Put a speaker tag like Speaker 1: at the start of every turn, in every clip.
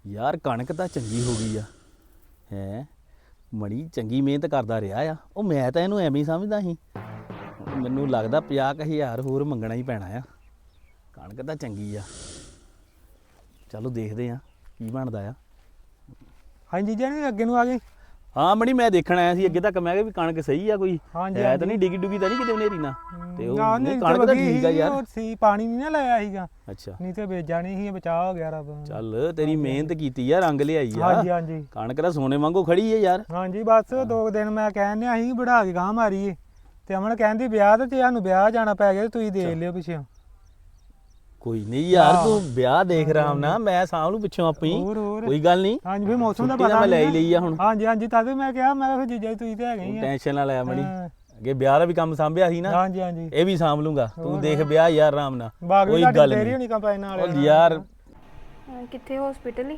Speaker 1: ਯਾਰ ਕਣਕ ਤਾਂ ਚੰਗੀ ਹੋ ਗਈ ਆ ਹੈ। ਮਣੀ ਚੰਗੀ ਮਿਹਨਤ ਕਰਦਾ ਰਿਹਾ ਆ। ਉਹ ਮੈਂ ਤਾਂ ਇਹਨੂੰ ਐਵੇਂ ਹੀ ਸਮਝਦਾ ਸੀ। ਮੈਨੂੰ ਲੱਗਦਾ 50,000 ਹੋਰ ਮੰਗਣਾ ਹੀ ਪੈਣਾ ਆ। ਕਣਕ ਤਾਂ ਚੰਗੀ ਆ। ਚਲੋ ਦੇਖਦੇ ਆ ਕੀ ਬਣਦਾ ਆ।
Speaker 2: ਹਾਂਜੀ ਜੀ ਅੱਗੇ ਨੂੰ ਆ ਗਏ।
Speaker 1: ਹਾਂ ਮਣੀ ਮੈਂ ਦੇਖਣ ਆਇਆ ਸੀ ਅੱਗੇ ਤੱਕ। ਮੈਂ ਕਿਹਾ ਵੀ ਕਣਕ ਸਹੀ ਆ ਕੋਈ
Speaker 2: ਹਾਂਜੀ
Speaker 1: ਹੈ ਤਾਂ ਨਹੀਂ ਡਿੱਗੀ ਡੁੱਗੀ ਤਾਂ ਨਹੀਂ ਕਿਤੇ ਹਨੇਰੀ ਨਾ। ਤੇ ਉਹ
Speaker 2: ਨਹੀਂ
Speaker 1: ਕਣਕ ਤਾਂ ਠੀਕ ਆ ਯਾਰ।
Speaker 2: ਸੀ ਪਾਣੀ ਨਹੀਂ ਨਾ ਲਾਇਆ ਸੀਗਾ।
Speaker 1: ਅੱਛਾ
Speaker 2: ਨਹੀਂ ਤੇ ਵੇਚਾ ਨਹੀਂ ਸੀ, ਬਚਾਅ ਹੋ ਗਿਆ ਰੱਬ।
Speaker 1: ਚੱਲ ਤੇਰੀ ਮਿਹਨਤ ਕੀਤੀ ਆ, ਰੰਗ ਲਿਆਈ ਆ।
Speaker 2: ਹਾਂਜੀ ਹਾਂਜੀ
Speaker 1: ਕਣਕ ਤਾਂ ਸੋਨੇ ਵਾਂਗੂ ਖੜੀ ਹੈ ਯਾਰ।
Speaker 2: ਹਾਂਜੀ ਬਸ 2 ਦਿਨ ਮੈਂ ਕਹਿਣ ਡਿਆ ਸੀ ਵਢਾ ਕੇ ਗਾਂ ਮਾਰੀਏ ਤੇ ਅਮਨ ਕਹਿੰਦੀ ਵਿਆਹ ਤੇ ਸਾਨੂੰ ਵਿਆਹ ਜਾਣਾ ਪੈ ਗਿਆ ਤੇ ਤੁਸੀਂ ਦੇਖ ਲਿਓ ਪਿੱਛੋਂ।
Speaker 1: ਕੋਈ ਨਹੀਂ ਯਾਰ ਤੂੰ ਵਿਆਹ ਦੇਖ ਰਹਾ ਨਾ, ਮੈਂ ਸਾਂਭ ਲੂ ਪਿੱਛੋਂ ਆਪੀ। ਕੋਈ ਗੱਲ ਨਹੀਂ।
Speaker 2: ਹਾਂਜੀ ਵੀ ਮੌਸਮ ਦਾ ਪਤਾ
Speaker 1: ਮੈਂ ਲੈ ਹੀ ਲਈ ਆ ਹੁਣ।
Speaker 2: ਹਾਂਜੀ ਹਾਂਜੀ ਤਦ ਮੈਂ ਕਿਹਾ ਮੈਂ ਫਿਰ ਜੀਜਾ ਤੁਸੀਂ ਤੇ ਹੈਗੇ ਹੀ ਆ।
Speaker 1: ਟੈਨਸ਼ਨ ਨਾ ਲੈ ਮਣੀ, ਅੱਗੇ ਵਿਆਹ ਦਾ ਵੀ ਕੰਮ ਸਾਂਭਿਆ ਸੀ ਨਾ।
Speaker 2: ਹਾਂਜੀ ਹਾਂਜੀ
Speaker 1: ਇਹ ਵੀ ਸਾਂਭ ਲੂੰਗਾ। ਤੂੰ ਦੇਖ ਵਿਆਹ ਯਾਰ ਆਰਾਮ ਨਾਲ,
Speaker 2: ਕੋਈ ਗੱਲ ਨਹੀਂ ਕੰਪਾਈਨ ਨਾਲ
Speaker 1: ਯਾਰ।
Speaker 3: ਕਿੱਥੇ ਹਸਪੀਟਲ ਹੀ?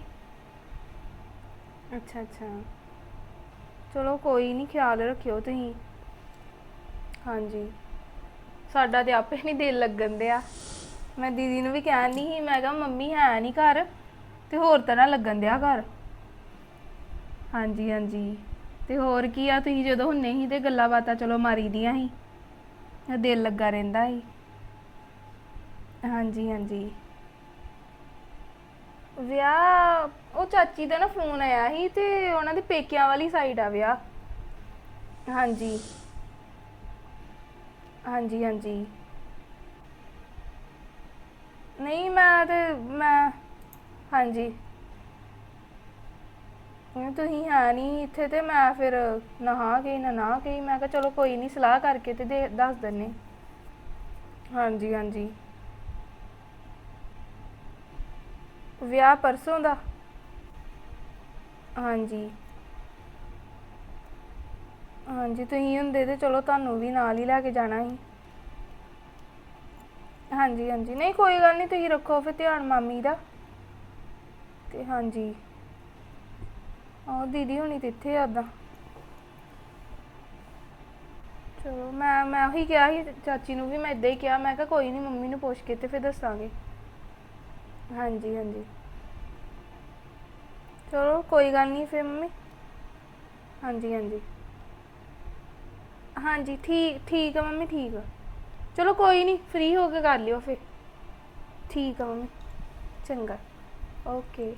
Speaker 3: ਅੱਛਾ ਅੱਛਾ ਚਲੋ ਕੋਈ ਨਹੀਂ, ਖਿਆਲ ਰੱਖਿਓ ਤੁਸੀਂ। ਹਾਂਜੀ ਸਾਡਾ ਤੇ ਆਪੇ ਨਹੀਂ ਦਿਲ ਲੱਗਣ ਦਿਆ। ਮੈਂ ਦੀਦੀ ਨੂੰ ਵੀ ਕਹਿਣ ਨਹੀਂ ਸੀ, ਮੈਂ ਕਿਹਾ ਮੰਮੀ ਹੈ ਨਹੀਂ ਘਰ ਤੇ ਹੋਰ ਤਰ੍ਹਾਂ ਲੱਗਣ ਦਿਆ ਘਰ। ਹਾਂਜੀ ਹਾਂਜੀ ਤੇ ਹੋਰ ਕੀ ਆ, ਤੁਸੀਂ ਜਦੋਂ ਹੁੰਨੇ ਸੀ ਤੇ ਗੱਲਾਂ ਬਾਤਾਂ ਚਲੋ ਮਾਰੀ ਦੀਆਂ ਸੀ, ਦਿਲ ਲੱਗਾ ਰਹਿੰਦਾ ਸੀ। ਹਾਂਜੀ ਹਾਂਜੀ ਵਿਆਹ ਉਹ ਚਾਚੀ ਦਾ ਨਾ ਫੋਨ ਆਇਆ ਸੀ ਤੇ ਉਹਨਾਂ ਦੇ ਪੇਕਿਆਂ ਵਾਲੀ ਸਾਈਡ ਆ ਵਿਆਹ। ਹਾਂਜੀ ਹਾਂਜੀ ਹਾਂਜੀ ਨਹੀਂ ਮੈਂ ਹਾਂਜੀ ਤੁਸੀਂ ਹੈ ਨਹੀਂ ਇੱਥੇ ਤੇ ਮੈਂ ਫਿਰ ਨਾ ਗਈ ਮੈਂ ਕਿਹਾ ਚਲੋ ਕੋਈ ਨਹੀਂ, ਸਲਾਹ ਕਰਕੇ ਤੇ ਦੱਸ ਦਿੰਨੇ। ਹਾਂਜੀ ਹਾਂਜੀ ਵਿਆਹ ਪਰਸੋਂ ਦਾ। ਹਾਂਜੀ ਹਾਂਜੀ ਤੁਸੀਂ ਹੁੰਦੇ ਤੇ ਚਲੋ ਤੁਹਾਨੂੰ ਵੀ ਨਾਲ ਹੀ ਲੈ ਕੇ ਜਾਣਾ ਸੀ। ਹਾਂਜੀ ਹਾਂਜੀ ਨਹੀਂ ਕੋਈ ਗੱਲ ਨਹੀਂ, ਤੁਸੀਂ ਰੱਖੋ ਫਿਰ ਧਿਆਨ ਮਾਮੀ ਦਾ। ਤੇ ਹਾਂਜੀ ਆਹ ਦੀਦੀ ਹੋਣੀ ਤੇ ਇੱਥੇ ਆ ਉੱਦਾਂ। ਚਲੋ ਮੈਂ ਉਹੀ ਕਿਹਾ ਸੀ ਚਾਚੀ ਨੂੰ ਵੀ, ਮੈਂ ਇੱਦਾਂ ਹੀ ਕਿਹਾ, ਮੈਂ ਕਿਹਾ ਕੋਈ ਨਹੀਂ ਮੰਮੀ ਨੂੰ ਪੁੱਛ ਕੇ ਤੇ ਫਿਰ ਦੱਸਾਂਗੇ। ਹਾਂਜੀ ਹਾਂਜੀ ਚਲੋ ਕੋਈ ਗੱਲ ਨਹੀਂ ਫਿਰ ਮੰਮੀ। ਹਾਂਜੀ ਹਾਂਜੀ ਹਾਂਜੀ ਠੀਕ ਆ ਮੰਮੀ, ਠੀਕ ਆ। ਚਲੋ ਕੋਈ ਨਹੀਂ, ਫ੍ਰੀ ਹੋ ਕੇ ਕਰ ਲਿਓ ਫਿਰ। ਠੀਕ ਆ ਮੰਮੀ, ਚੰਗਾ ਓਕੇ।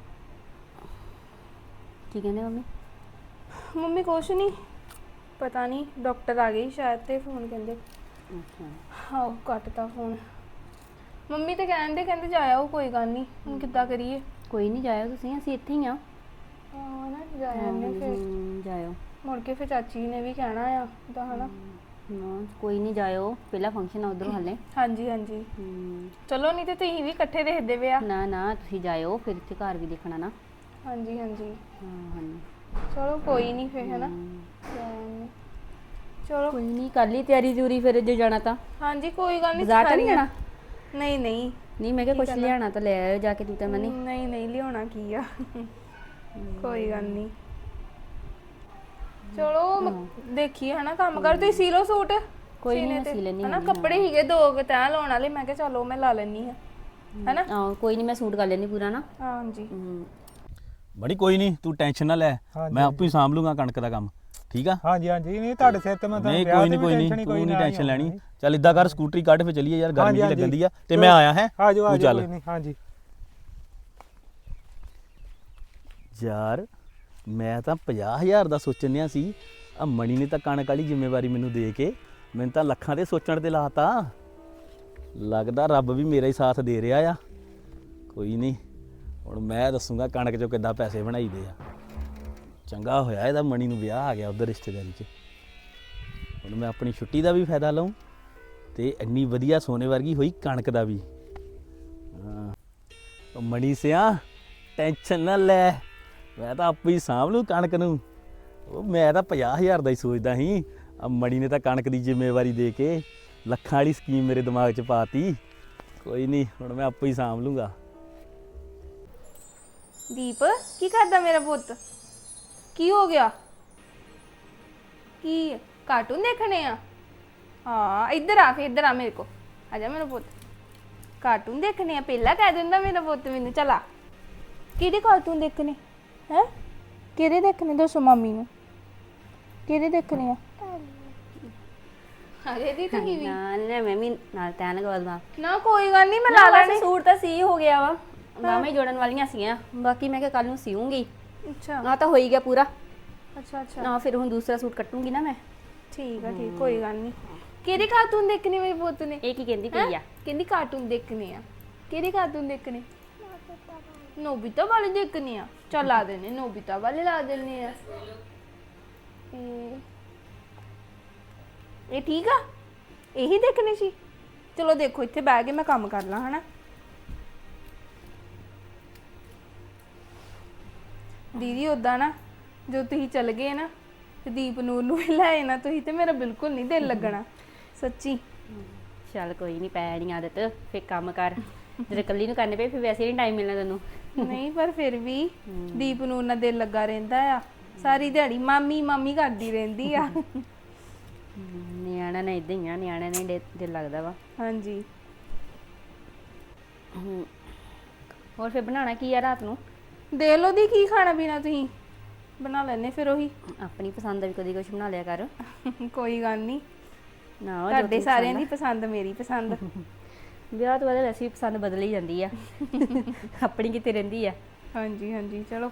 Speaker 4: ਕੀ ਕਹਿੰਦੇ ਮੰਮੀ?
Speaker 3: ਮੰਮੀ ਕੁਛ ਨਹੀਂ, ਪਤਾ ਨਹੀਂ ਡਾਕਟਰ ਆ ਗਈ ਸ਼ਾਇਦ ਤੇ ਫੋਨ ਕਹਿੰਦੇ।
Speaker 4: ਅੱਛਾ
Speaker 3: ਹਾਂ ਕੱਟਤਾ ਫੋਨ। ਮੰਮੀ ਤੇ ਕਹਿੰਦੇ ਜਾਇਓ, ਕੋਈ ਗੱਲ ਨਹੀਂ, ਹੁਣ ਕਿੱਦਾਂ ਕਰੀਏ।
Speaker 4: ਕੋਈ ਨਹੀਂ ਜਾਇਓ ਤੁਸੀਂ, ਅਸੀਂ ਇੱਥੇ ਹੀ ਆ।
Speaker 3: ਹਾਂ ਨਾ ਜਾਇਆ ਨੇ ਫਿਰ
Speaker 4: ਜਾਇਓ
Speaker 3: ਮੁੜ ਕੇ ਫਿਰ ਚਾਚੀ ਨੇ ਵੀ ਕਹਿਣਾ ਆ ਤਾਂ ਹਨਾ।
Speaker 4: ਕੋਈ ਨਹੀਂ ਜਾਇਓ, ਪਹਿਲਾ ਫੰਕਸ਼ਨ ਆ ਉਧਰੋਂ ਹਲੇ।
Speaker 3: ਹਾਂਜੀ ਹਾਂਜੀ ਚਲੋ, ਨਹੀਂ ਤੇ ਤੁਸੀਂ ਵੀ ਇਕੱਠੇ ਦੇਖਦੇ ਪਿਆ।
Speaker 4: ਨਾ ਤੁਸੀਂ ਜਾਇਓ, ਫਿਰ ਇੱਥੇ ਘਰ ਵੀ ਦੇਖਣਾ ਨਾ।
Speaker 3: ਹਾਂਜੀ ਹਾਂਜੀ
Speaker 4: ਹਾਂਜੀ
Speaker 3: ਚਲੋ ਕੋਈ ਨਹੀਂ ਫਿਰ ਹਨਾ। ਚਲੋ
Speaker 4: ਕੋਈ ਨਹੀਂ, ਕਰ ਲਈ ਤਿਆਰੀ ਜੂਰੀ ਫਿਰ ਜੇ ਜਾਣਾ ਤਾਂ।
Speaker 3: ਹਾਂਜੀ ਕੋਈ ਗੱਲ ਨਹੀਂ।
Speaker 4: ਬਾਜ਼ਾਰ ਤਾਂ ਨਹੀਂ ਜਾਣਾ?
Speaker 3: ਨਹੀਂ
Speaker 4: ਮੈਂ ਕਿਹਾ ਕੁਛ ਲਿਆਣਾ ਤਾਂ ਲੈ ਆਇਓ ਜਾ ਕੇ ਤੂੰ ਤਾਂ ਮਨੀ।
Speaker 3: ਨਹੀਂ ਲਿਆਉਣਾ ਕੀ ਆ। ਕੋਈ ਗੱਲ ਨਹੀਂ। ਚਲੋ ਦੇਖੀਏ ਹਨਾ, ਕੰਮ ਕਰ ਤੁਸੀਂ ਸੀ ਲਓ ਸੂਟ।
Speaker 4: ਕੋਈ ਨਹੀਂ ਸੀ ਲੈਣੀ
Speaker 3: ਹਨਾ, ਕੱਪੜੇ ਹੀਗੇ 2 ਤੈਅ ਲਾਉਣ ਵਾਲੇ, ਮੈਂ ਕਿਹਾ ਚਲੋ ਮੈਂ ਲਾ ਲੈਣੀ ਆ ਹਨਾ।
Speaker 4: ਹਾਂ ਕੋਈ ਨਹੀਂ, ਮੈਂ ਸੂਟ ਕਰ ਲੈਣੀ ਪੂਰਾ ਨਾ।
Speaker 3: ਹਾਂਜੀ
Speaker 1: ਬੜੀ ਕੋਈ ਨਹੀਂ, ਤੂੰ ਟੈਨਸ਼ਨ ਨਾ ਲੈ, ਮੈਂ ਆਪੇ ਸਾਂਭ ਲੂੰਗਾ ਕਣਕ ਦਾ ਕੰਮ। ਠੀਕ ਆ?
Speaker 2: ਹਾਂਜੀ ਹਾਂਜੀ ਨਹੀਂ ਤੁਹਾਡੇ ਸਿਰ ਤੇ ਮੈਂ ਤਾਂ
Speaker 1: ਨਹੀਂ ਕੋਈ ਨਹੀਂ ਤੂੰ ਨਹੀਂ ਟੈਨਸ਼ਨ ਲੈਣੀ। ਚੱਲ ਇਦਾਂ ਕਰ, ਸਕੂਟਰੀ ਕੱਢ ਫੇ ਚੱਲੀਏ ਯਾਰ, ਗਰਮੀ ਲੱਗਣ ਦੀ ਆ ਤੇ ਮੈਂ ਆਇਆ ਹੈ।
Speaker 2: ਤੂੰ ਚੱਲ। ਹਾਂਜੀ
Speaker 1: ਯਾਰ ਮੈਂ ਤਾਂ 50,000 ਦਾ ਸੋਚਣ ਡਿਆ ਸੀ, ਆ ਮਣੀ ਨੇ ਤਾਂ ਕਣਕ ਵਾਲੀ ਜ਼ਿੰਮੇਵਾਰੀ ਮੈਨੂੰ ਦੇ ਕੇ ਮੈਨੂੰ ਤਾਂ ਲੱਖਾਂ ਦੇ ਸੋਚਣ ਤੇ ਲਾਤਾ। ਲੱਗਦਾ ਰੱਬ ਵੀ ਮੇਰਾ ਹੀ ਸਾਥ ਦੇ ਰਿਹਾ ਆ। ਕੋਈ ਨਹੀਂ, ਹੁਣ ਮੈਂ ਦੱਸੂਗਾ ਕਣਕ 'ਚੋਂ ਕਿੱਦਾਂ ਪੈਸੇ ਬਣਾਈਦੇ ਆ। ਚੰਗਾ ਹੋਇਆ ਇਹਦਾ ਮਣੀ ਨੂੰ ਵਿਆਹ ਆ ਗਿਆ ਉੱਧਰ ਰਿਸ਼ਤੇਦਾਰੀ 'ਚ। ਹੁਣ ਮੈਂ ਆਪਣੀ ਛੁੱਟੀ ਦਾ ਵੀ ਫਾਇਦਾ ਲਵਾਂ ਤੇ ਇੰਨੀ ਵਧੀਆ ਸੋਨੇ ਵਰਗੀ ਹੋਈ ਕਣਕ ਦਾ ਵੀ। ਹਾਂ ਮਣੀ ਸਿਆ ਟੈਨਸ਼ਨ ਨਾ ਲੈ, ਮੈਂ ਤਾਂ ਆਪੇ ਹੀ ਸਾਂਭ ਲੂ ਕਣਕ ਨੂੰ। ਉਹ ਮੈਂ ਤਾਂ 50,000 ਦਾ ਹੀ ਸੋਚਦਾ ਸੀ, ਆ ਮਣੀ ਨੇ ਤਾਂ ਕਣਕ ਦੀ ਜ਼ਿੰਮੇਵਾਰੀ ਦੇ ਕੇ ਲੱਖਾਂ ਵਾਲੀ ਸਕੀਮ ਮੇਰੇ ਦਿਮਾਗ 'ਚ ਪਾਤੀ। ਕੋਈ ਨਹੀਂ, ਹੁਣ ਮੈਂ ਆਪੇ ਹੀ ਸਾਂਭ ਲੂੰਗਾ।
Speaker 3: ਦੀਪ ਕੀ ਕਰਦਾ ਮੇਰਾ ਪੁੱਤ? ਕੀ ਹੋ ਗਿਆ? ਕੀ ਕਾਰਟੂਨ ਦੇਖਣੇ ਆ? ਹਾਂ ਇੱਧਰ ਆ, ਫਿਰ ਇੱਧਰ ਆ ਮੇਰੇ ਕੋ ਆ ਜਾ ਮੇਰਾ ਪੁੱਤ। ਕਾਰਟੂਨ ਦੇਖਣੇ ਆ ਪਹਿਲਾਂ ਕਹਿ ਦਿੰਦਾ ਮੇਰਾ ਪੁੱਤ ਮੈਨੂੰ। ਚਲਾ ਕਿਹੜੇ ਕਾਰਟੂਨ ਦੇਖਣੇ ਹੈ? ਕਿਹੜੇ ਦੇਖਣੇ ਦੱਸੋ ਮੰਮੀ ਨੂੰ, ਕਿਹੜੇ ਦੇਖਣੇ ਆ? ਅਰੇ ਦੀ ਤੁਸੀਂ ਵੀ
Speaker 4: ਨਾਲ ਮੈਂ ਵੀ ਨਾਲ ਤੈਨ ਗਵਲ ਨਾਲ
Speaker 3: ਨਾ ਕੋਈ ਗੱਲ ਨਹੀਂ, ਮੈਂ
Speaker 4: ਨਾ
Speaker 3: ਲਾ
Speaker 4: ਬਸ
Speaker 3: ਲੈਣੇ।
Speaker 4: ਸੂਟ ਤਾਂ ਸੀ ਹੋ ਗਿਆ ਵਾ, ਬਾਹਾਂ ਹੀ ਜੋੜਨ ਵਾਲੀਆਂ ਸੀਗੀਆਂ, ਬਾਕੀ ਮੈਂ ਕਿਹਾ ਕੱਲ ਨੂੰ ਸੀਊਂਗੀ।
Speaker 3: ਅੱਛਾ
Speaker 4: ਨਾ ਤਾਂ ਹੋ ਹੀ ਗਿਆ ਪੂਰਾ
Speaker 3: ਅੱਛਾ ਅੱਛਾ
Speaker 4: ਨਾ, ਫਿਰ ਹੁਣ ਦੂਸਰਾ ਸੂਟ ਕੱਟੂੰਗੀ ਨਾ ਮੈਂ।
Speaker 3: ਠੀਕ ਆ ਠੀਕ, ਕੋਈ ਗੱਲ ਨਹੀਂ। ਕਿਹੜੇ ਕਾਰਟੂਨ ਦੇਖਣੇ ਮੇਰੇ ਪੁੱਤ ਨੇ?
Speaker 4: ਇਹ ਕੀ ਕਹਿੰਦੀ ਪਈ ਆ?
Speaker 3: ਕਹਿੰਦੀ ਕਾਰਟੂਨ ਦੇਖਣੇ ਆ। ਕਿਹੜੇ ਕਾਰਟੂਨ ਦੇਖਣੇ? ਨੋਬੀਤਾ ਵਾਲੇ ਦੇਖਣੇ ਆ। ਚੱਲ ਲਾ ਦੇਣੇ, ਨੋਬੀਤਾ ਵਾਲੇ ਲਾ ਦੇਣੇ ਆ। ਇਹ ਠੀਕ ਆ, ਇਹੀ ਦੇਖਣੇ ਸੀ। ਚਲੋ ਦੇਖੋ, ਇੱਥੇ ਬਹਿ ਕੇ ਮੈਂ ਕੰਮ ਕਰ ਲਾਂ ਹਨਾ। ਦੀਦੀ ਉਦਾਂ ਨਾ ਜੋ ਤੁਸੀਂ ਚੱਲ ਗਏ ਨਾ ਤੇ ਦੀਪ ਨੂਰ ਨੂੰ ਵੀ ਲੈ ਆਣਾ ਤੁਸੀਂ, ਤੇ ਮੇਰਾ ਬਿਲਕੁਲ ਨਹੀਂ ਦਿਲ ਲੱਗਣਾ ਸੱਚੀ।
Speaker 4: ਚੱਲ ਕੋਈ ਨਹੀਂ, ਪੈ ਨਹੀਂ ਆਦਤ, ਫਿਰ ਕੰਮ ਕਰ। ਜਦੋਂ ਇਕੱਲੀ ਨੂੰ ਕਰਨੇ ਪਏ ਫਿਰ ਵੈਸੇ ਨਹੀਂ ਟਾਈਮ ਮਿਲਣਾ ਤੈਨੂੰ।
Speaker 3: ਨਹੀਂ ਪਰ ਫਿਰ ਵੀ ਦੀਪ ਨੂਰ ਨਾਲ ਦਿਲ ਲੱਗਾ ਰਹਿੰਦਾ ਆ। ਸਾਰੀ ਦਿਹਾੜੀ ਮਾਮੀ ਮਾਮੀ ਕਰਦੀ ਰਹਿੰਦੀ ਆ।
Speaker 4: ਨਿਆਣਾ ਨਾ ਇਦਾਂ ਹੀ ਆ, ਨਿਆਣਾ ਨੇ ਦਿਲ ਲੱਗਦਾ ਵਾ।
Speaker 3: ਹਾਂਜੀ
Speaker 4: ਹੋਰ ਫਿਰ ਬਣਾਉਣਾ ਕੀ ਆ ਰਾਤ ਨੂੰ?
Speaker 3: ਦੇਖ ਲਓ ਦੀ ਕੀ ਖਾਣਾ ਪੀਣਾ ਤੁਸੀਂ ਬਣਾ ਲੈਣੇ ਫਿਰ ਉਹੀ।
Speaker 4: ਆਪਣੀ ਪਸੰਦ ਦਾ ਵੀ ਕਦੀ ਕੁਝ ਬਣਾ ਲਿਆ ਕਰ।
Speaker 3: ਕੋਈ ਗੱਲ ਨਹੀਂ,
Speaker 4: ਨਾ
Speaker 3: ਤੁਹਾਡੇ ਸਾਰਿਆਂ ਦੀ ਪਸੰਦ ਮੇਰੀ ਪਸੰਦ।
Speaker 4: ਵਿਆਹ ਤੋਂ ਬਾਅਦ ਵੈਸੇ ਵੀ ਪਸੰਦ ਬਦਲ ਹੀ ਜਾਂਦੀ ਆ। ਆਪਣੀ ਕਿਤੇ ਰਹਿੰਦੀ ਆ।
Speaker 3: ਹਾਂਜੀ ਹਾਂਜੀ ਚਲੋ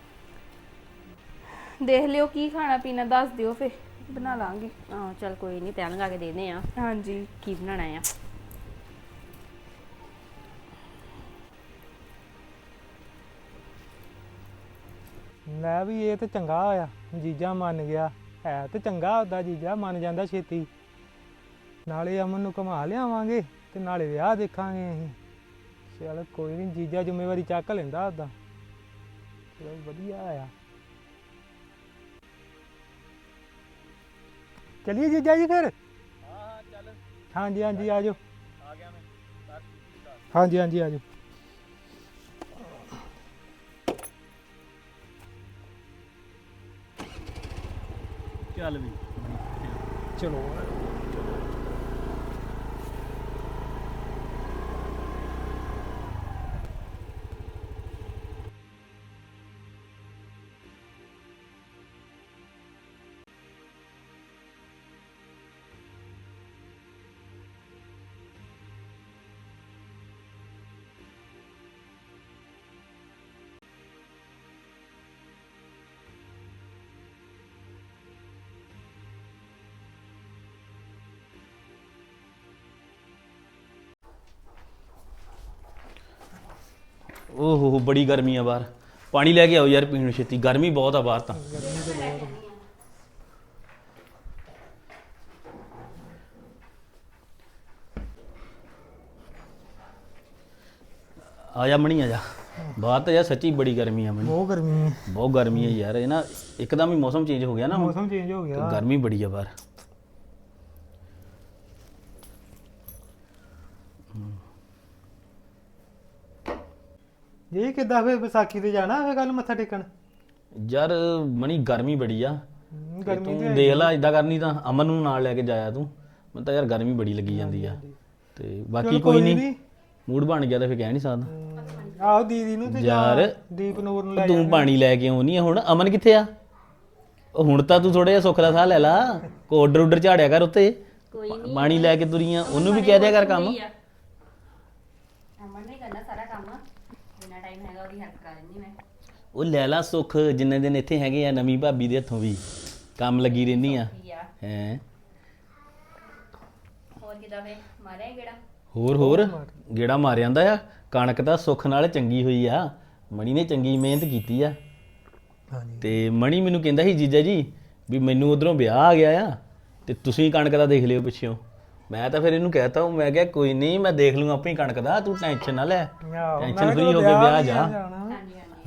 Speaker 3: ਦੇਖ ਲਿਓ ਕੀ ਖਾਣਾ ਪੀਣਾ, ਦੱਸ ਦਿਓ ਫਿਰ ਬਣਾ ਲਾਂਗੇ।
Speaker 4: ਹਾਂ ਚੱਲ ਕੋਈ ਨਹੀਂ, ਤੈਨੂੰ ਲਗਾ ਕੇ ਦੇਨੇ ਆ
Speaker 3: ਹਾਂਜੀ
Speaker 4: ਕੀ ਬਣਾਉਣਾ ਆ।
Speaker 2: ਲੈ ਵੀ ਇਹ ਤੇ ਚੰਗਾ ਹੋਇਆ, ਜੀਜਾ ਮੰਨ ਗਿਆ। ਹੈ ਤੇ ਚੰਗਾ ਹੁੰਦਾ, ਜੀਜਾ ਮੰਨ ਜਾਂਦਾ ਛੇਤੀ। ਨਾਲੇ ਅਮਨ ਨੂੰ ਘੁਮਾ ਲਿਆਵਾਂਗੇ ਤੇ ਨਾਲੇ ਵਿਆਹ ਦੇਖਾਂਗੇ ਅਸੀਂ। ਚਲ ਕੋਈ ਨਹੀਂ, ਜੀਜਾ ਜ਼ਿੰਮੇਵਾਰੀ ਚੱਕ ਲੈਂਦਾ ਉਹਦਾ। ਚਲੋ ਵਧੀਆ ਆ। ਚਲਿਏ ਜੀਜਾ ਜੀ ਫਿਰ। ਹਾਂਜੀ ਹਾਂਜੀ ਆ ਜਾਓ। ਹਾਂਜੀ ਹਾਂਜੀ ਆ ਜਾਓ।
Speaker 1: ਚੱਲ ਵੀ
Speaker 2: ਚਲੋ
Speaker 1: ਓਹੋ ਬੜੀ ਗਰਮੀ ਆ ਬਾਹਰ। ਪਾਣੀ ਲੈ ਕੇ ਆਓ ਯਾਰ ਪੀਣ ਨੂੰ ਛੇਤੀ, ਗਰਮੀ ਬਹੁਤ ਆ ਬਾਹਰ ਤਾਂ। ਆ ਜਾ ਮਣੀ, ਆ ਜਾ ਬਾਹਰ ਤਾਂ ਯਾਰ ਸੱਚੀ ਬੜੀ ਗਰਮੀ ਆ ਮਣੀ,
Speaker 2: ਬਹੁਤ ਗਰਮੀ ਹੈ।
Speaker 1: ਬਹੁਤ ਗਰਮੀ ਹੈ ਯਾਰ। ਇਹ ਨਾ ਇੱਕਦਮ ਹੀ ਮੌਸਮ ਚੇਂਜ ਹੋ ਗਿਆ ਨਾ ਹੁਣ,
Speaker 2: ਮੌਸਮ ਚੇਂਜ ਹੋ
Speaker 1: ਤੇ
Speaker 2: ਗਿਆ।
Speaker 1: ਗਰਮੀ ਬੜੀ ਆ ਬਾਹਰ।
Speaker 2: ਇਹ ਕਿੱਦਾਂ ਫੇਰ ਵਿਸਾਖੀ ਤੇ ਜਾਣਾ ਫੇਰ ਕੱਲ ਮੱਥਾ ਟੇਕਣ?
Speaker 1: ਯਾਰ ਮਣੀ ਗਰਮੀ ਬੜੀ ਆ।
Speaker 2: ਗਰਮੀ
Speaker 1: ਤੂੰ
Speaker 2: ਤੇ
Speaker 1: ਦੇਖ ਲੈ, ਇਦਾਂ ਕਰਨੀ ਤਾਂ ਅਮਨ ਨੂੰ ਨਾਲ ਲੈ ਕੇ ਜਾਇਆ ਤੂੰ। ਮੈਨੂੰ ਤਾਂ ਯਾਰ ਗਰਮੀ ਬੜੀ ਲੱਗੀ ਜਾਂਦੀ ਆ। ਤੇ ਬਾਕੀ ਕੋਈ ਨਹੀਂ, ਮੂਡ ਬਣ ਗਿਆ ਤਾਂ ਫਿਰ ਕਹਿ ਨਹੀਂ ਸਕਦਾ।
Speaker 2: ਆਹੋ ਦੀਦੀ ਨੂੰ ਤੇ
Speaker 1: ਯਾਰ
Speaker 2: ਦੀਪ ਨੂਰ ਨੂੰ ਲੈ
Speaker 1: ਤੂੰ ਪਾਣੀ ਲੈ ਕੇ ਆਉਣੀ ਆ। ਹੁਣ ਅਮਨ ਕਿੱਥੇ ਆ? ਉਹ ਹੁਣ ਤਾਂ ਤੂੰ ਥੋੜਾ ਜਿਹਾ ਸੁੱਖ ਦਾ ਸਾਹ ਲੈ ਲਾ, ਕੋ ਆਰਡਰ ਝਾੜਿਆ ਕਰ ਉੱਤੇ।
Speaker 4: ਕੋਈ ਨਹੀਂ,
Speaker 1: ਪਾਣੀ ਲੈ ਕੇ ਤੁਰੀਆਂ, ਉਹਨੂੰ ਵੀ ਕਹਿ ਦਿਆ ਕਰ ਕੰਮ।
Speaker 4: ਅਮਨ ਨੇ ਕਰਨਾ ਸਾਰਾ ਕੰਮ, ਜਿੰਨਾ ਟਾਈਮ ਹੈਗਾ ਉਹਦੀ ਹੈਲਪ ਕਰ ਲੈਂਦੀ ਮੈਂ।
Speaker 1: ਉਹ ਲੈ ਲਾ ਸੁੱਖ, ਜਿੰਨੇ ਦਿਨ ਇੱਥੇ ਹੈਗੇ ਆ ਨਵੀਂ ਭਾਬੀ ਦੇ ਹੱਥੋਂ ਵੀ ਕੰਮ ਲੱਗੀ ਰਹਿੰਦੀ ਆ।
Speaker 4: ਕੀ ਆ
Speaker 1: ਹੈ
Speaker 4: ਹੋਰ ਕਿਦਾਂ ਵੇ ਮਾਰਿਆ ਗੇੜਾ?
Speaker 1: ਹੋਰ ਗੇੜਾ ਮਾਰ ਜਾਂਦਾ ਆ। ਕਣਕ ਤਾਂ ਸੁੱਖ ਨਾਲ ਚੰਗੀ ਹੋਈ ਆ। ਮਣੀ ਨੇ ਚੰਗੀ ਮਿਹਨਤ ਕੀਤੀ ਆ।
Speaker 2: ਹਾਂਜੀ
Speaker 1: ਤੇ ਮਣੀ ਮੈਨੂੰ ਕਹਿੰਦਾ ਸੀ ਜੀਜਾ ਜੀ ਵੀ ਮੈਨੂੰ ਉਧਰੋਂ ਵਿਆਹ ਆ ਗਿਆ ਆ ਤੇ ਤੁਸੀਂ ਕਣਕ ਦਾ ਦੇਖ ਲਿਓ ਪਿੱਛੋਂ। ਮੈਂ ਤਾਂ ਫਿਰ ਇਹਨੂੰ ਕਹਿਤਾ, ਮੈਂ ਕਿਹਾ ਕੋਈ ਨਹੀਂ ਮੈਂ ਦੇਖ ਲੂੰ ਆਪਣੀ ਕਣਕ ਦਾ, ਤੂੰ ਟੈਨਸ਼ਨ ਨਾ ਲੈ, ਟੈਨਸ਼ਨ ਫਰੀ ਹੋ ਕੇ ਵਿਆਹ ਜਾ।
Speaker 4: ਹਾਂਜੀ ਹਾਂਜੀ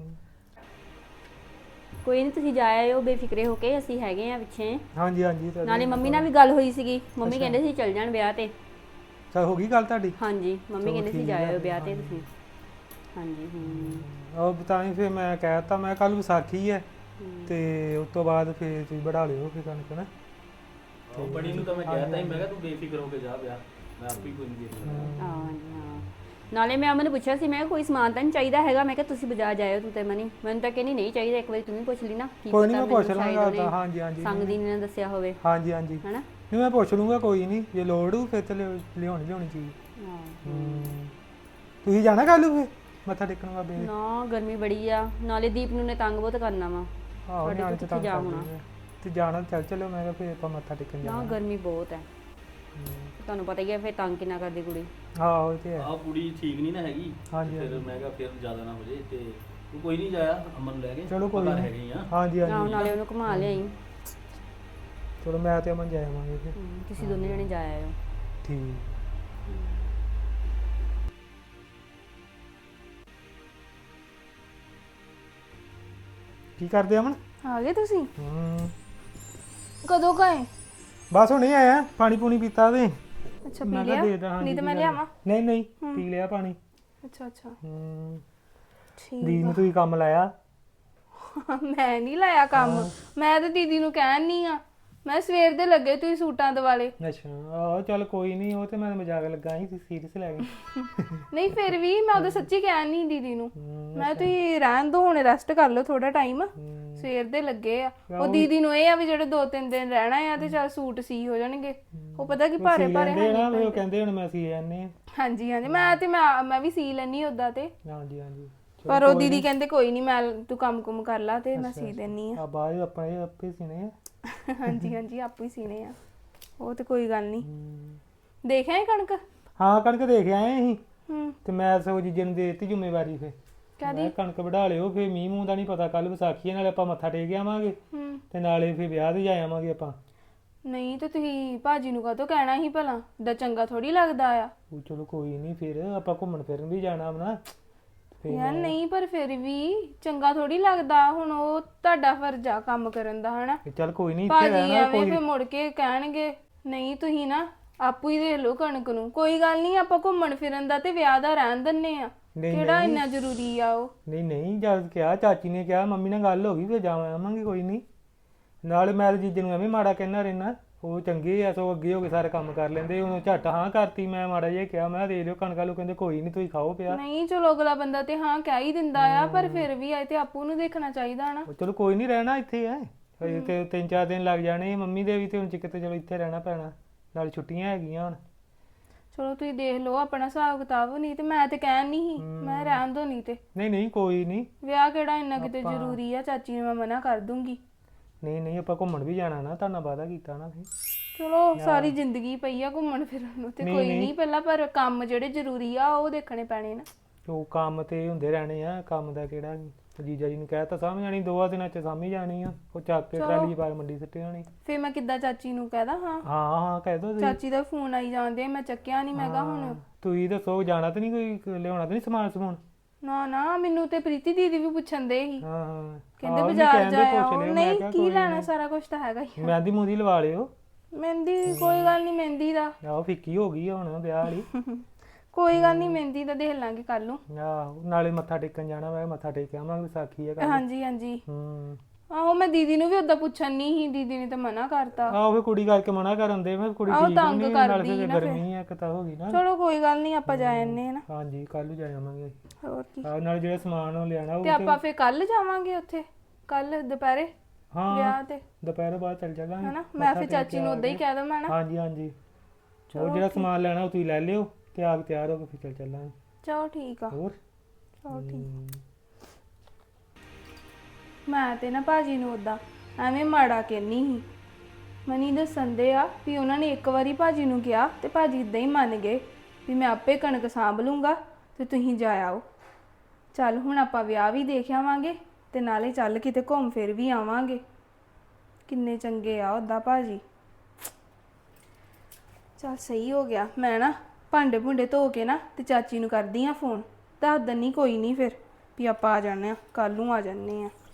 Speaker 4: ਕੋਈ ਨਹੀਂ, ਤੁਸੀਂ ਜਾ ਆਇਓ ਬੇਫਿਕਰੇ ਹੋ ਕੇ, ਅਸੀਂ ਹੈਗੇ ਆ ਪਿੱਛੇ।
Speaker 2: ਹਾਂਜੀ ਹਾਂਜੀ
Speaker 4: ਨਾਲੇ ਮੰਮੀ ਨਾਲ ਵੀ ਗੱਲ ਹੋਈ ਸੀਗੀ, ਮੰਮੀ ਕਹਿੰਦੇ ਸੀ ਚੱਲ ਜਾਣ ਵਿਆਹ ਤੇ।
Speaker 2: ਚਲ ਹੋ ਗਈ ਗੱਲ ਤੁਹਾਡੀ?
Speaker 4: ਹਾਂਜੀ ਮੰਮੀ ਕਹਿੰਦੇ ਸੀ ਜਾਇਓ ਵਿਆਹ ਤੇ ਤੁਸੀਂ। ਹਾਂਜੀ
Speaker 2: ਉਹ ਬਤਾਈ ਫਿਰ ਮੈਂ ਕਹਿਤਾ, ਮੈਂ ਕੱਲ ਵਿਸਾਖੀ ਹੈ ਤੇ ਉਸ ਤੋਂ ਬਾਅਦ ਫਿਰ ਤੁਸੀਂ ਵਧਾ ਲਿਓ ਫਿਰ ਕਣਕ ਨਾ।
Speaker 1: ਬੜੀ ਨੂੰ ਤਾਂ ਮੈਂ ਕਹਿਤਾ ਸੀ, ਮੈਂ ਕਿਹਾ ਤੂੰ ਬੇਫਿਕਰ ਹੋ ਕੇ ਜਾ ਵਿਆਹ, ਮੈਂ ਆਪੇ ਕੋਈ ਨਹੀਂ ਦੇਖ ਲੂੰਗਾ।
Speaker 4: ਹਾਂਜੀ ਹਾਂ ਨਾਲੇ ਮੈਂ ਅਮਨ ਨੂੰ ਪੁੱਛਿਆ ਸੀ, ਮੈਂ ਕਿਹਾ ਕੋਈ ਸਮਾਨ ਤਾਂ ਨਹੀਂ ਚਾਹੀਦਾ ਹੈਗਾ, ਮੈਂ ਕਿਹਾ ਤੁਸੀਂ ਬਾਜ਼ਾਰ ਜਾਇਓ ਤੂੰ ਤੇ ਮਨੀ, ਮੈਨੂੰ ਤਾਂ ਕਹਿੰਦੀ ਨਹੀਂ ਚਾਹੀਦਾ, ਇੱਕ ਵਾਰੀ ਤੂੰ ਵੀ ਪੁੱਛ ਲਈ ਨਾ, ਕੀ
Speaker 2: ਕੋਈ ਨਹੀਂ
Speaker 4: ਪਤਾ
Speaker 2: ਮੈਂ ਪੁੱਛ
Speaker 4: ਮੈਨੂੰ ਸ਼ਾਇਦ
Speaker 2: ਲਾਂਗਾ
Speaker 4: ਉਹਨੇ
Speaker 2: ਤਾਂ। ਹਾਂਜੀ ਹਾਂਜੀ
Speaker 4: ਸੰਗ ਦੀ ਨੇ ਦੱਸਿਆ ਹੋਵੇ
Speaker 2: ਹਾਂਜੀ ਹਾਂਜੀ
Speaker 4: ਹਨਾ।
Speaker 2: ਨਹੀਂ ਮੈਂ ਪੁੱਛ ਲੂੰਗਾ, ਕੋਈ ਨਹੀਂ ਜੇ ਲੋੜ ਹੋ ਫਿਰ ਤੇ ਲਿਆਉਣੀ ਚੀਜ਼।
Speaker 4: ਹਾਂ।
Speaker 2: ਤੁਸੀਂ ਜਾਣਾ ਕੱਲ੍ਹ ਨੂੰ ਫਿਰ ਮੱਥਾ ਟੇਕਣ ਬਾਬੇ ਦੇ?
Speaker 4: ਨਾ ਗਰਮੀ ਬੜੀ ਆ, ਨਾਲੇ ਦੀਪ ਨੂੰ ਨੇ ਤੰਗ ਬਹੁਤ ਕਰਨਾ ਵਾ,
Speaker 2: ਆਹੋ
Speaker 4: ਸਾਡੇ
Speaker 2: ਨਿਆਣੇ
Speaker 4: ਤੋਂ
Speaker 2: ਤੇ
Speaker 4: ਕਿੱਥੇ ਜਾ
Speaker 2: ਤੰਗ
Speaker 4: ਹੋਣਾ।
Speaker 2: ਕਰਦੇ ਆ। ਤੇ ਜਾਣਾ ਚੱਲ ਚਲੋ, ਮੈਂ ਕਿਹਾ ਫਿਰ ਆਪਾਂ ਮੱਥਾ ਟੇਕਣ
Speaker 4: ਨਾ
Speaker 2: ਜਾਣਾ।
Speaker 4: ਗਰਮੀ ਬਹੁਤ ਹੈ, ਤੁਹਾਨੂੰ ਪਤਾ ਹੀ ਹੈ ਫਿਰ ਤੰਗ ਕਿੰਨਾ ਕਰਦੀ ਕੁੜੀ।
Speaker 2: ਆਹੋ ਇਹ ਤੇ ਹੈ।
Speaker 1: ਆਹ ਕੁੜੀ ਠੀਕ ਨਹੀਂ ਨਾ ਹੈਗੀ,
Speaker 2: ਹਾਂਜੀ,
Speaker 1: ਫਿਰ ਮੈਂ ਕਿਹਾ ਫਿਰ ਜ਼ਿਆਦਾ ਨਾ ਹੋ ਜੇ, ਤੇ ਤੂੰ ਕੋਈ ਨਹੀਂ ਜਾਇਆ ਅਮਨ ਨੂੰ ਲੈ ਕੇ,
Speaker 2: ਚਲੋ ਕੋਈ
Speaker 1: ਆਪਾਂ ਘਰ
Speaker 2: ਨਹੀਂ।
Speaker 1: ਹੈਗੇ ਹੀ ਆ।
Speaker 2: ਹਾਂਜੀ
Speaker 4: ਆਹੋ
Speaker 2: ਹਾਂਜੀ
Speaker 4: ਨਾਲੇ ਉਹਨੂੰ ਘੁਮਾ ਲਿਆਈ।
Speaker 2: ਚਲੋ ਮੈਂ ਤੇ ਅਮਨ ਜਾਵਾਂਗੇ ਫਿਰ।
Speaker 4: ਤੁਸੀਂ ਦੋਨੇ ਜਣੇ ਜਾ ਆਇਓ।
Speaker 2: ਠੀਕ। ਕੀ ਕਰਦੇ ਅਮਨ?
Speaker 3: ਆ ਗਏ ਤੁਸੀਂ?
Speaker 2: ਕਦੋਂ
Speaker 3: ਕਦੋਂ ਗਏ?
Speaker 2: ਬਸ ਹੁਣੇ ਆਇਆ, ਪਾਣੀ ਪੂਣੀ ਪੀਤਾ ਤੇ
Speaker 3: ਅੱਛਾ
Speaker 2: ਮੈਂ
Speaker 3: ਪੀ
Speaker 2: ਕਿਹਾ
Speaker 3: ਲਿਆ?
Speaker 2: ਦੇ ਦਾਂ।
Speaker 3: ਨਹੀਂ ਤਾਂ ਮੈਂ ਲਿਆਵਾਂ?
Speaker 2: ਨਹੀਂ ਨਹੀਂ ਪੀ ਲਿਆ ਪਾਣੀ।
Speaker 3: ਅੱਛਾ ਅੱਛਾ
Speaker 2: ਦੀਦੀ
Speaker 3: ਠੀਕ
Speaker 2: ਨੂੰ ਤੁਸੀਂ ਕੰਮ ਲਾਇਆ?
Speaker 3: ਮੈਂ ਨਹੀਂ ਲਾਇਆ ਕੰਮ, ਮੈਂ ਤਾਂ ਦੀਦੀ ਨੂੰ ਕਹਿਣ ਨਹੀਂ ਆ, ਮੈਂ ਸਵੇਰ ਦੇ ਲੱਗੇ ਤੁਸੀਂ ਸੂਟਾਂ ਦਿਵਾਲੇ।
Speaker 2: ਅੱਛਾ ਆਹੋ ਚੱਲ ਕੋਈ ਨਹੀਂ, ਉਹ ਤੇ ਮੈਂ ਮਜ਼ਾਕ ਲੱਗਾ ਸੀ, ਸੀਰੀਅਸ ਲੈ ਗਏ।
Speaker 3: ਨਹੀਂ ਫਿਰ ਵੀ ਮੈਂ ਉਹਦਾ ਸੱਚੀ ਕਹਿਣ ਨਹੀਂ ਦੀਦੀ ਨੂੰ, ਮੈਂ ਤੁਸੀਂ ਰਹਿਣ ਦੋ, ਹੁਣ ਰੈਸਟ ਕਰ ਲਓ ਥੋੜਾ ਟਾਈਮ, ਸਵੇਰ ਦੇ ਲੱਗੇ ਆ। ਉਹ ਦੀਦੀ ਨੂੰ ਇਹ ਆ ਵੀ ਜਿਹੜੇ 2-3 ਦਿਨ ਰਹਿਣਾ ਆ ਤੇ ਚੱਲ ਸੂਟ ਸੀ ਹੋ ਜਾਣਗੇ, ਉਹ ਪਤਾ ਕੀ ਭਾਰੇ ਭਾਰੇ
Speaker 2: ਲੈਂਦੇ ਨਾ ਵੀ ਉਹ ਕਹਿੰਦੇ ਹੁਣ ਮੈਂ ਸੀ ਜਾਂਦੇ ਆ।
Speaker 3: ਹਾਂਜੀ ਹਾਂਜੀ ਮੈਂ ਵੀ ਸੀ ਲੈਣੀ ਉਦਾਂ ਤੇ,
Speaker 2: ਹਾਂਜੀ ਹਾਂਜੀ
Speaker 3: ਪਰ ਉਹ ਦੀਦੀ ਕਹਿੰਦੇ ਕੋਈ ਨਹੀਂ, ਮੈਂ ਤੂੰ ਕੰਮ ਕੁਮ ਕਰ ਲਾ ਤੇ ਮੈਂ ਸੀ ਦੇਣੀ ਆ।
Speaker 2: ਆ ਬਾਅਦ ਆਪਣੇ ਆਪੇ ਸੀਨੇ ਆ।
Speaker 3: ਹਾਂਜੀ ਹਾਂਜੀ ਆਪੇ ਹੀ ਸੀਨੇ ਆ, ਉਹ ਤੇ ਕੋਈ ਗੱਲ ਨਹੀਂ। ਦੇਖਿਆ ਕਣਕ?
Speaker 2: ਹਾਂ ਕਣਕ ਦੇਖ ਆਏ ਅਸੀਂ,
Speaker 3: ਹੂੰ
Speaker 2: ਤੇ ਮੈਂ ਸਗੋਂ ਜੀਜੇ ਨੂੰ ਦੇ ਦਿੱਤੀ ਜ਼ਿੰਮੇਵਾਰੀ ਫਿਰ। ਮੈਂ ਕਣਕ ਵਢਾ ਲਿਓ, ਫਿਰ ਮੀਂਹ ਮੂੰਹ ਦਾ ਨਹੀਂ ਪਤਾ, ਕੱਲ ਵਿਸਾਖੀ ਨਾਲੇ ਆਪਾਂ ਮੱਥਾ ਟੇਕ ਆਵਾਂਗੇ
Speaker 3: ਹੂੰ
Speaker 2: ਤੇ ਨਾਲੇ ਫਿਰ ਵਿਆਹ ਤੇ ਜਾ ਆਵਾਂਗੇ ਆਪਾਂ।
Speaker 3: ਨਹੀਂ ਤੇ ਤੁਸੀਂ ਭਾਜੀ ਨੂੰ ਕਾਹਤੋਂ ਕਹਿਣਾ ਸੀ ਭਲਾ, ਦਾ ਚੰਗਾ ਥੋੜੀ ਲੱਗਦਾ ਆ।
Speaker 2: ਉਹ ਚਲੋ ਕੋਈ ਨਹੀਂ, ਫਿਰ ਆਪਾਂ ਘੁੰਮਣ ਫਿਰਨ ਵੀ ਜਾਣਾ ਨਾ।
Speaker 3: ਯਾਰ ਨਹੀਂ ਪਰ ਫਿਰ ਵੀ ਚੰਗਾ ਥੋੜੀ ਲੱਗਦਾ, ਹੁਣ ਉਹ ਤੁਹਾਡਾ ਫਰਜ਼ ਆ ਕੰਮ ਕਰਨ ਦਾ ਹਨਾ।
Speaker 2: ਚੱਲ ਕੋਈ ਨਹੀਂ, ਇੱਥੇ
Speaker 3: ਭਾਜੀ
Speaker 2: ਰਹਿਣਾ
Speaker 3: ਐਵੇਂ ਫਿਰ ਮੁੜ ਕੇ ਕਹਿਣਗੇ ਨਹੀਂ ਤੁਸੀਂ ਨਾ ਆਪੂ ਹੀ ਦੇ ਲਓ ਕਣਕ ਨੂੰ। ਕੋਈ ਗੱਲ ਨਹੀਂ, ਆਪਾਂ ਘੁੰਮਣ ਫਿਰਨ ਦਾ ਤੇ ਵਿਆਹ ਦਾ ਰਹਿਣ ਦਿੰਨੇ ਆ, ਕਿਹੜਾ ਇੰਨਾ ਜ਼ਰੂਰੀ ਆ ਉਹ।
Speaker 2: ਨਹੀਂ ਨਹੀਂ ਜਦ ਕਿਹਾ ਚਾਚੀ ਨੇ ਕਿਹਾ, ਮੰਮੀ ਨਾਲ ਗੱਲ ਹੋ ਗਈ, ਫਿਰ ਜਾਵਾਂ ਆਵਾਂਗੇ ਕੋਈ ਨਹੀਂ। ਨਾਲੇ ਮੈਂ ਤਾਂ ਜੀਜੇ ਨੂੰ ਐਵੇਂ ਮਾੜਾ ਕਹਿਣਾ ਰਹਿਣਾ, ਉਹ ਚੰਗੇ ਆ, ਸੋ ਅੱਗੇ ਹੋ ਕੇ ਸਾਰੇ ਕੰਮ ਕਰ ਲੈਂਦੇ। ਉਹਨੂੰ ਝੱਟ ਹਾਂ ਕਰਤੀ, ਮੈਂ ਮਾੜਾ ਜਿਹਾ ਕਿਹਾ ਮੈਂ ਦੇ ਲਿਓ ਕਣਕਾਂ ਨੂੰ, ਕਹਿੰਦੇ ਕੋਈ ਨਹੀਂ ਤੁਸੀਂ ਖਾਓ ਪਿਆ।
Speaker 3: ਨਹੀਂ ਚਲੋ ਅਗਲਾ ਬੰਦਾ ਤੇ ਹਾਂ ਕਹਿ ਹੀ ਦਿੰਦਾ ਆ, ਪਰ ਫਿਰ ਵੀ ਆਏ ਤੇ ਆਪੂ ਨੂੰ ਦੇਖਣਾ ਚਾਹੀਦਾ ਨਾ।
Speaker 2: ਉਹ ਚਲੋ ਕੋਈ ਨਹੀਂ, ਰਹਿਣਾ ਇੱਥੇ ਹੈ ਹਜੇ ਤੇ 3-4 ਦਿਨ ਲੱਗ ਜਾਣੇ ਮੰਮੀ ਦੇ ਵੀ, ਤੇ ਹੁਣ ਕਿਤੇ ਚਲੋ ਇੱਥੇ ਰਹਿਣਾ ਪੈਣਾ, ਨਾਲ ਛੁੱਟੀਆਂ ਹੈਗੀਆਂ ਹੁਣ।
Speaker 3: ਚਲੋ ਤੁਸੀਂ ਦੇਖ ਲਓ ਆਪਣਾ ਹਿਸਾਬ ਕਿਤਾਬ, ਨਹੀਂ ਤੇ ਮੈਂ ਤੇ ਕਹਿਣ ਨਹੀਂ ਸੀ, ਮੈਂ ਰਹਿਣ ਦੋ ਨਹੀਂ ਤੇ।
Speaker 2: ਨਹੀਂ ਨਹੀਂ ਕੋਈ ਨਹੀਂ,
Speaker 3: ਵਿਆਹ ਕਿਹੜਾ ਇੰਨਾ ਕਿਤੇ ਜ਼ਰੂਰੀ ਆ, ਚਾਚੀ ਨੂੰ ਮੈਂ ਮਨਾ ਕਰ ਦੂੰਗੀ।
Speaker 2: ਨਹੀਂ ਨਹੀਂ ਆਪਾਂ ਘੁੰਮਣ ਵੀ ਜਾਣਾ ਨਾ, ਤੁਹਾਨੂੰ ਵਾਅਦਾ ਕੀਤਾ ਨਾ ਫਿਰ।
Speaker 3: ਚਲੋ ਸਾਰੀ ਜ਼ਿੰਦਗੀ ਪਈ ਆ ਘੁੰਮਣ ਫਿਰਨ ਨੂੰ ਤੇ ਕੋਈ ਨਹੀਂ, ਪਹਿਲਾਂ ਪਰ ਕੰਮ ਜਿਹੜੇ ਜ਼ਰੂਰੀ ਆ ਉਹ ਦੇਖਣੇ ਪੈਣੇ ਨਾ।
Speaker 2: ਉਹ ਕੰਮ ਤੇ ਹੁੰਦੇ ਰਹਿਣੇ ਆ, ਕੰਮ ਦਾ ਕਿਹੜਾ ਜੀਜਾ ਜੀ ਨੂੰ ਕਹਿ ਤਾਂ ਸਮਝ ਜਾਣੀ, 2 ਦਿਨਾਂ ਚ ਸਮਝ ਜਾਣੀ ਆ, ਉਹ ਚੱਕ ਕੇ ਟਰਾਲੀ ਪਾ ਮੰਡੀ ਸਿੱਟੀ ਹੋਣੀ।
Speaker 3: ਫੇਰ ਮੈਂ ਕਿੱਦਾਂ ਚਾਚੀ ਨੂੰ ਕਹਿਦਾ? ਹਾਂ
Speaker 2: ਹਾਂ ਹਾਂ ਕਹਿ ਦੋ ਤੁਸੀਂ।
Speaker 3: ਚਾਚੀ ਦਾ ਫੋਨ ਆਈ ਜਾਂਦੇ, ਮੈਂ ਚੱਕਿਆ ਨਹੀਂ, ਮੈਂ ਕਿਹਾ ਹੁਣ
Speaker 2: ਤੁਸੀਂ ਦੱਸੋ ਜਾਣਾ ਤਾਂ ਨਹੀਂ, ਕੋਈ ਲਿਆਉਣਾ ਤਾਂ ਨਹੀਂ ਸਮਾਨ ਸਮੂਨ?
Speaker 3: ਨਾ ਨਾ ਮੈਨੂੰ ਤੇ ਪ੍ਰੀਤੀ ਦੀਦੀ ਵੀ ਪੁੱਛਣ ਦੇ ਸੀ,
Speaker 2: ਹਾਂ ਹਾਂ
Speaker 3: ਕਹਿੰਦੇ
Speaker 2: ਆਹੋ,
Speaker 3: ਬਾਜ਼ਾਰ
Speaker 2: ਕਹਿੰਦੇ
Speaker 3: ਜਾਇਆ
Speaker 2: ਪੁੱਛ ਲਿਓ, ਮੈਂ
Speaker 3: ਨਹੀਂ
Speaker 2: ਕਿਹਾ
Speaker 3: ਕੀ
Speaker 2: ਕੋਈ
Speaker 3: ਲੈਣਾ, ਸਾਰਾ ਕੁਝ ਤਾਂ ਹੈਗਾ ਹੀ।
Speaker 2: ਮਹਿੰਦੀ ਮੂੰਦੀ ਲਵਾ ਲਿਓ।
Speaker 3: ਮਹਿੰਦੀ ਕੋਈ ਗੱਲ ਨਹੀਂ, ਮਹਿੰਦੀ ਦਾ
Speaker 2: ਆਹੋ ਫਿੱਕੀ ਹੋ ਗਈ ਆ ਹੁਣ ਵਿਆਹ ਵਾਲੀ।
Speaker 3: ਕੋਈ ਗੱਲ ਨਹੀਂ, ਮਹਿੰਦੀ ਦਾ ਦੇਖ ਲਾਂਗੇ ਕੱਲ ਨੂੰ।
Speaker 2: ਆਹੋ ਨਾਲੇ ਮੱਥਾ ਟੇਕਣ ਜਾਣਾ, ਮੈਂ ਮੱਥਾ ਟੇਕ ਆਵਾਂਗੇ, ਵਿਸਾਖੀ ਆ ਕੱਲ।
Speaker 3: ਹਾਂਜੀ ਹਾਂਜੀ
Speaker 2: ਹੂੰ
Speaker 3: ਆਹੋ ਮੈਂ ਦੀਦੀ ਨੂੰ ਵੀ ਉਦਾਂ ਪੁੱਛਣ ਨਹੀਂ ਸੀ, ਦੀਦੀ ਨੇ ਤਾਂ ਮਨਾ ਕਰਤਾ।
Speaker 2: ਆਹੋ ਫਿਰ ਕੁੜੀ ਕਰਕੇ ਮਨਾ ਕਰਨ ਦੇ, ਮੈਂ ਕੁੜੀ
Speaker 3: ਆਹੋ
Speaker 2: ਠੀਕ
Speaker 3: ਤੰਗ
Speaker 2: ਨਹੀਂ, ਨਾਲ
Speaker 3: ਕਰਦੀ
Speaker 2: ਫਿਰ
Speaker 3: ਨਾ
Speaker 2: ਗਰਮੀ ਆ ਇੱਕ ਤਾਂ ਹੋ ਗਈ ਨਾ।
Speaker 3: ਚਲੋ ਕੋਈ ਗੱਲ ਨਹੀਂ, ਆਪਾਂ ਜਾ ਆਨੇ ਆ ਨਾ।
Speaker 2: ਹਾਂਜੀ ਕੱਲ ਨੂੰ ਜਾ ਆਵਾਂਗੇ।
Speaker 3: ਹੋਰ ਕੀ,
Speaker 2: ਆਹ ਨਾਲ ਜਿਹੜਾ ਸਮਾਨ ਉਹ ਲਿਆਣਾ ਉਹ
Speaker 3: ਤੇ ਆਪਾਂ ਫੇਰ ਕੱਲ ਜਾਵਾਂਗੇ ਉੱਥੇ, ਕੱਲ ਦੁਪਹਿਰੇ
Speaker 2: ਹਾਂ
Speaker 3: ਵਿਆਹ ਤੇ,
Speaker 2: ਦੁਪਹਿਰ ਬਾਅਦ ਚੱਲ ਜਾਵਾਂਗੇ
Speaker 3: ਹਨਾ। ਮੈਂ ਫੇਰ ਚਾਚੀ ਨੂੰ ਉਦਾਂ ਹੀ ਕਹਿ ਦਵਾਂ ਨਾ।
Speaker 2: ਹਾਂਜੀ ਹਾਂਜੀ ਉਹ ਜਿਹੜਾ ਸਮਾਨ ਲੈਣਾ ਉਹ ਤੁਸੀਂ ਲੈ ਲਿਓ, ਤੇ ਆਪ ਤਿਆਰ ਹੋ ਕੇ ਫਿਰ ਚੱਲ ਚੱਲਾਂਗੇ।
Speaker 3: ਚਲੋ ਠੀਕ ਆ।
Speaker 2: ਹੋਰ
Speaker 3: ਚਲੋ ਠੀਕ। ਮੈਂ ਤੇ ਨਾ ਭਾਜੀ ਨੂੰ ਉਦਾਂ ਐਵੇਂ ਮਾੜਾ ਕਹਿਨੀ ਸੀ, ਮਨੀ ਦੱਸਣ ਦੇ ਆ ਵੀ ਉਹਨਾਂ ਨੇ ਇੱਕ ਵਾਰੀ ਭਾਜੀ ਨੂੰ ਕਿਹਾ ਤੇ ਭਾਜੀ ਇਦਾਂ ਹੀ ਮੰਨ ਗਏ ਵੀ ਮੈਂ ਆਪੇ ਕਣਕ ਸਾਂਭ ਲੂੰਗਾ ਤੇ ਤੁਸੀਂ ਜਾ ਆਓ। ਚੱਲ ਹੁਣ ਆਪਾਂ ਵਿਆਹ ਵੀ ਦੇਖ ਆਵਾਂਗੇ ਤੇ ਨਾਲੇ ਚੱਲ ਕਿਤੇ ਘੁੰਮ ਫਿਰ ਵੀ ਆਵਾਂਗੇ। ਕਿੰਨੇ ਚੰਗੇ ਆ ਉਦਾਂ ਭਾਜੀ। ਚੱਲ ਸਹੀ ਹੋ ਗਿਆ, ਮੈਂ ਨਾ ਭਾਂਡੇ ਭੁੰਡੇ ਧੋ ਕੇ ਨਾ ਤੇ ਚਾਚੀ ਨੂੰ ਕਰਦੀ ਆ ਫੋਨ, ਦੱਸ ਦਿੰਨੀ ਕੋਈ ਨਹੀਂ ਫਿਰ ਵੀ ਆਪਾਂ ਆ ਜਾਂਦੇ ਆ, ਕੱਲ ਨੂੰ ਆ ਜਾਂਦੇ ਆ।